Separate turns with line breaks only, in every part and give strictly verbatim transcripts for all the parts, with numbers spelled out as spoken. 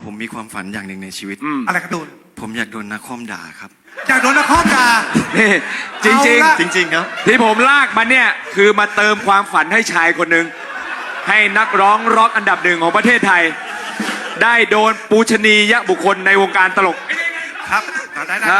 ผมมีความฝันอย่างหนึ่งในชีวิต
อะไรครับตูน
ผมอยากโดนนักคอมด่าครับ
อยากโดนนักคอมด่า
นี่จริงจริง
จริงๆครับ
ที่ผมลากมาเนี่ยคือมาเติมความฝันให้ชายคนหนึ่งให้นักร้องร็อกอันดับหนึ่งของประเทศไทยได้โดนปูชนียบุคคลในวงการตลก
ครับได้ได้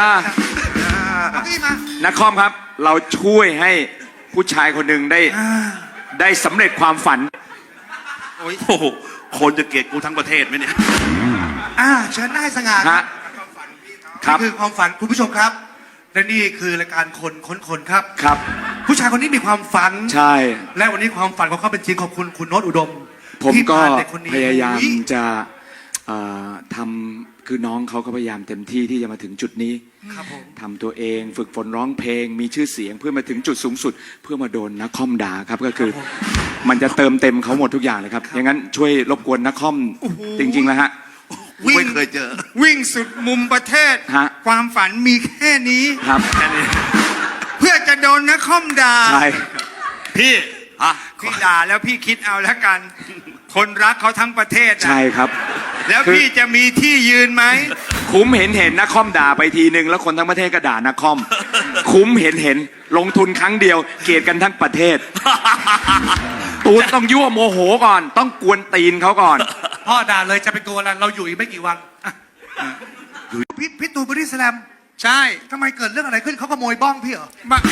นักคอมครับเราช่วยให้ผู้ชายคนหนึ่งได้ได้สำเร็จความฝัน
โอ้โหคนจะเกลียดกูทั้งประเทศไหมเนี่ย
อ่าเชิญได้สง่า
ครับ
นี่คือความฝันคุณผู้ชมครับและนี่คือรายการคนค้นคนครับ
ครับ
ผู้ชายคนนี้มีความฝัน
ใช่
และวันนี้ความฝันของเขาเป็นจริงขอบคุณคุณโน้ตอุดม
ผมก็พยายามจะทำคือน้องเขาก็พยายามเต็มที่ที่จะมาถึงจุดนี้ทำตัวเองฝึกฝนร้องเพลงมีชื่อเสียงเพื่อมาถึงจุดสูงสุดเพื่อมาโดนนักคอมด่าครับก็คือมันจะเติมเต็มเขาหมดทุกอย่างเลยครับอย่างนั้นช่วยรบกวนนักคอมจริงๆแล้วฮะ
วิ่งเคยเจอ
วิ่งสุดมุมประเทศความฝันมีแค่นี้
ครับ
แค่นี้เพื่อจะโดนนักคอมด่า
ใช่
พี่พี่ด่าแล้วพี่คิดเอาแล้วกันคนรักเขาทั้งประเทศ
ใช่ครับ
แล้วพี่จะมีที่ยืนไหม
คุ้มเห็นเห็นนักคอมด่าไปทีนึงแล้วคนทั้งประเทศก็ด่านักคอมคุ้มเห็นเห็นลงทุนครั้งเดียวเกลียดกันทั้งประเทศตูนต้องยั่วโมโหก่อนต้องกวนตีนเขาก่อน
พ่อด่าเลยจะไปกลัวอะไรเราอยู่อีกไม่กี่วันพี่พี่ตูนบอดี้สแลม
ใช่
ทำไมเกิดเรื่องอะไรขึ้นเขาขโมยบ้องพี่เหรอ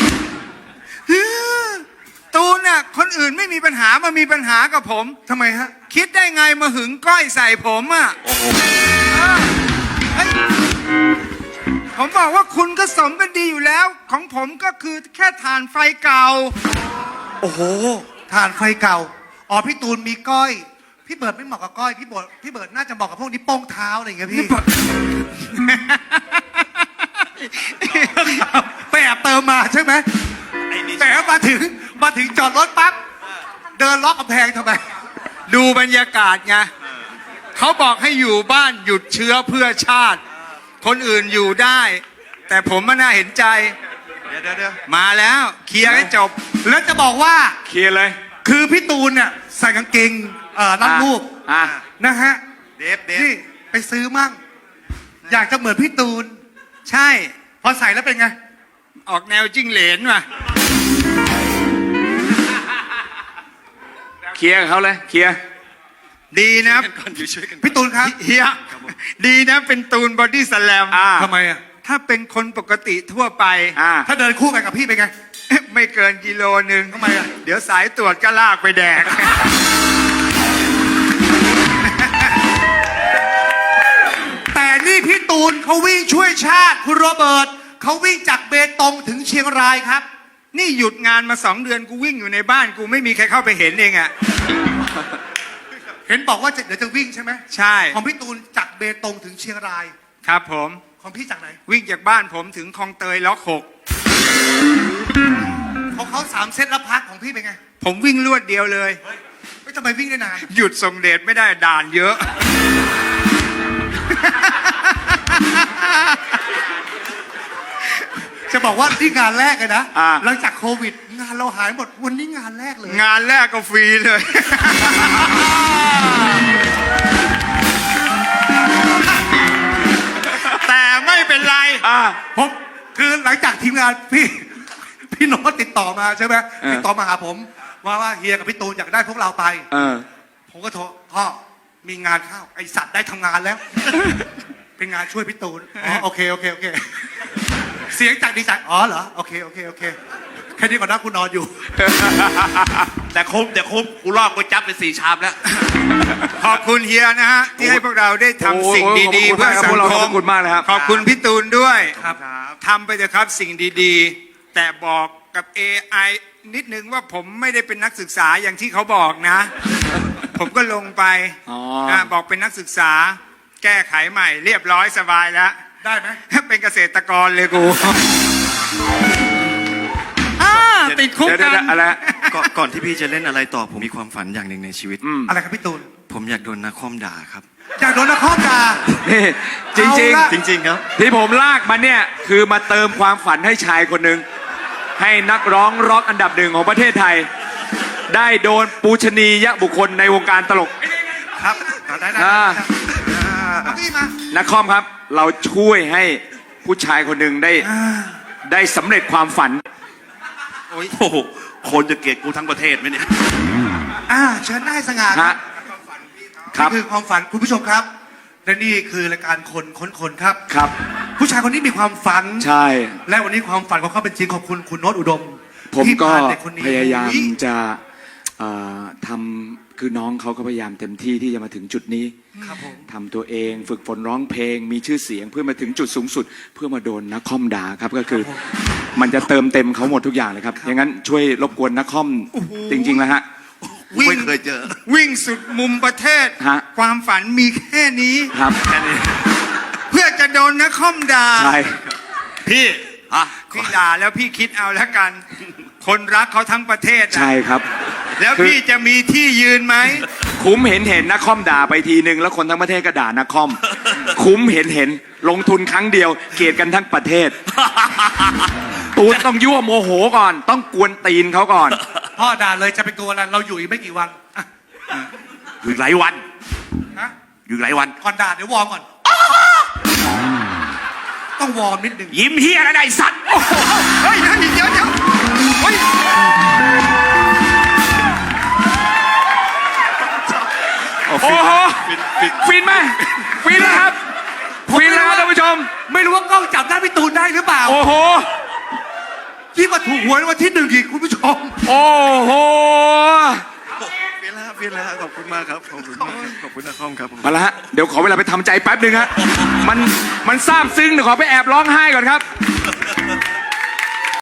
ตูนน่ะคนอื่นไม่มีปัญหามามีปัญหากับผม
ทำไมฮะ
คิดได้ไงมาหึงก้อยใส่ผมอ่ะผมบอกว่าคุณก็สมกันดีอยู่แล้วของผมก็คือแค่ถ่านไฟเก่า
โอ้โหถ่านไฟเก่าอ๋อพี่ตูนมีก้อยพี่เบิร์ดไม่เหมาะกับก้อยพี่เบิร์ดพี่เบิร์ดน่าจะเหมาะกับพวกนี้โป้งเท้าอะไรอย่างเงี้ยพี่ไปแอบเติมมาใช่ไหมแต่มาถึงมาถึงจอดรถปั๊บเดินล็อกกำแพงทำไม
ดูบรรยากาศไงเขาบอกให้อยู่บ้านหยุดเชื้อเพื่อชาติคนอื่นอยู่ได้แต่ผมมันน่าเห็นใจ
เดี๋ยวเดี๋ยว
มาแล้วเคลียร์ให้จบ
แล้วจะบอกว่า
เคลียร์เลย
คือพี่ตูนเนี่ยใส่กางเกงเอ่อรัดรูปนะฮะ
เดฟเดฟ
นี่ไปซื้อมั่งอยากจะเหมือนพี่ตูน
ใช่
พอใส่แล้วเป็นไง
ออกแนวจิ้งเหลนว่ะ
เคลียร์เขาเลยเคลียร์
ดีนะ
พี่ตูนครับ
เฮียดีนะเป็นตูนบอดี้สแลม
ทำไมอ่ะ
ถ้าเป็นคนปกติทั่วไป
ถ้าเดินคู่กันกับพี่เป็นไง
ไม่เกินกิโลนึง
ทำไมอ่ะ
เดี๋ยวสายตรวจก็ลากไปแดก
แต่นี่พี่ตูนเขาวิ่งช่วยชาติคุณโรเบิร์ตเขาวิ่งจากเบตงถึงเชียงรายครับ
นี่หยุดงานมาสองเดือนกูวิ่งอยู่ในบ้านกูไม่มีใครเข้าไปเห็นเองอ่ะ
เห็นบอกว่าเดี๋ยวจะวิ่งใช่ไหม
ใช่
ของพี่ตูนจากเบตงถึงเชียงราย
ครับผม
ของพี่จากไหน
วิ่งจากบ้านผมถึงคลองเตยล็อกหก
ของเขาสามเซตแล้วพักของพี่เป็นไง
ผมวิ่งรวดเดียวเลย
ไม่ทำไมวิ่งได้นาน
หยุดส่งเดชไม่ได้ด่านเยอะ
จะบอกว่าที่งานแรกเลยนะหลังจากโควิดงานเราหายหมดวันนี้งานแรกเลย
งานแรกก็ฟรีเลยแต่ไม่เป็นไร
ผมคือหลังจากทีมงานพี่พี่โน้ตติดต่อมาใช่ไหมติดต่อมาหาผมว่าว่าเฮียกับพี่ตูนอยากได้พวกเราไปผมก็โทรพ่อมีงานเข้าไอสัตว์ได้ทำงานแล้วเป็นงานช่วยพี่ตูนอ๋อโอเคโอเคโอเคเสียงจากดีใจอ๋อเหรอโอเคโอเคโอเคแค่นี้ก่อนนะกูนอนอยู่
แต่คมแต่คมกูลอกกูจับไปสี่ชามแล้ว
ขอบคุณเฮียนะฮะที่ให้พวกเราได้ทำสิ่งดีๆเพื่อสังคม
ขอบคุณมากเลยครับ
ขอบคุณพี่ตูนด้วยทำไปเถอะครับสิ่งดีๆแต่บอกกับ เอ ไอ นิดนึงว่าผมไม่ได้เป็นนักศึกษาอย่างที่เขาบอกนะผมก็ลงไปบอกเป็นนักศึกษาแก้ไขใหม่เรียบร้อยสบายแล้ว
ได้ไหม
เป็นเกษตรกรเลยกูติดคุกกัน
อะไร
ก่อนที่พี่จะเล่นอะไรต่อผมมีความฝันอย่างหนึ่งในชีวิต
อะไรครับพี่ตูน
ผมอยากโดนนักคอมด่าครับ
อยากโดนนักคอมด่า
นี่จริงจริง
จริงๆครับ
ที่ผมลากมาเนี่ยคือมาเติมความฝันให้ชายคนหนึ่งให้นักร้องร็อกอันดับหนึ่งของประเทศไทยได้โดนปูชนียบุคคลในวงการตลก
ครับได้ได้พี่มา
นักคอมครับ เราช่วยให้ผู้ชายคนหนึ่งได้ได้สำเร็จความฝัน
โอ้โหคนจะเกลียดกูทั้งประเทศไหมเนี่ย
อ่าเชิญได้สง่า
ฮะ ครับ
นี่คือความฝันคุณผู้ชมครับ และนี่คือรายการคนค้นคนครับ
ครับ
ผู้ชายคนนี้มีความฝัน
ใช่
และวันนี้ความฝันของเขาเป็นจริงขอบคุณคุณโน้ตอุดม
ผม
ที่
ก็
พาเด็กคนนี้
พยายาม
อุ๊
จะเอ่อทำคือน้องเขาก็พยายามเต็มที่ที่จะมาถึงจุดนี้
ครับผม
ทำตัวเองฝึกฝนร้องเพลง มีชื่อเสียงเพื่อมาถึงจุดสูงสุด เพื่อมาโดนนักคอมด่าครับก็คือ มันจะเติมเต็มเขาหมดทุกอย่างเลยครับอย่างนั้นช่วยรบกวนนักคอมจริงๆแล้วฮะ
วิ่ง
ไม่เคยเจอ
วิ่งสุดมุมประเทศ
ฮะ
ความฝันมีแค่นี้
ครับ
แค่นี้
เพื่อจะโดนนักคอมด่า
ใช่
พี่อ่ะ
พี่ด่าแล้วพี่คิดเอาแล้วกัน คนรักเขาทั้งประเทศนะ
ใช่ครับ
แล้ว
คือ
พี่จะมีที่ยืนไหม
คุ้มเห็นเห็นนักคอมด่าไปทีนึงแล้วคนทั้งประเทศก็ด่านักคอม คุ้มเห็นเห็นลงทุนครั้งเดียว เกลียดกันทั้งประเทศ ตูนต้องยั่วโมโหก่อน ต้องกวนตีนเขาก่อน
พ่อด่าเลยจะเป็นตัวอะไรเราอยู่อีกไม่กี่วันอ่ะ
อยู่อีกหลายวัน
ฮะ
อยู่อีกหลายวัน
ก่อนด่าเดี๋ยววอร์มก่อน ต้องวอร์มนิดนึง
ยิ้มเฮียอะไรได้สัตว์
เฮ้ยเฮ้ยเดี๋ยวเดี๋ยวเฮ้ย
โอ้โหฟินไหมฟินนะครับฟินแล้วท่านผู้ชม
ไม่รู้ว่ากล้องจับได้พี่ตูนได้หรือเปล่า
โอ้โห
ที่มาถูกหวยในวันที่หนึ่งอีกคุณผู้ชม
โอ้โห
เปลี่ยนแล้วเปลี่ยนแล้วขอบคุณมากครับขอบคุณมากครับขอบคุณนักคอมครับผม
มาละฮะเดี๋ยวขอเวลาไปทำใจแป๊บหนึ่งฮะมันมันซาบซึ้งเดี๋ยวขอไปแอบร้องไห้ก่อนครับ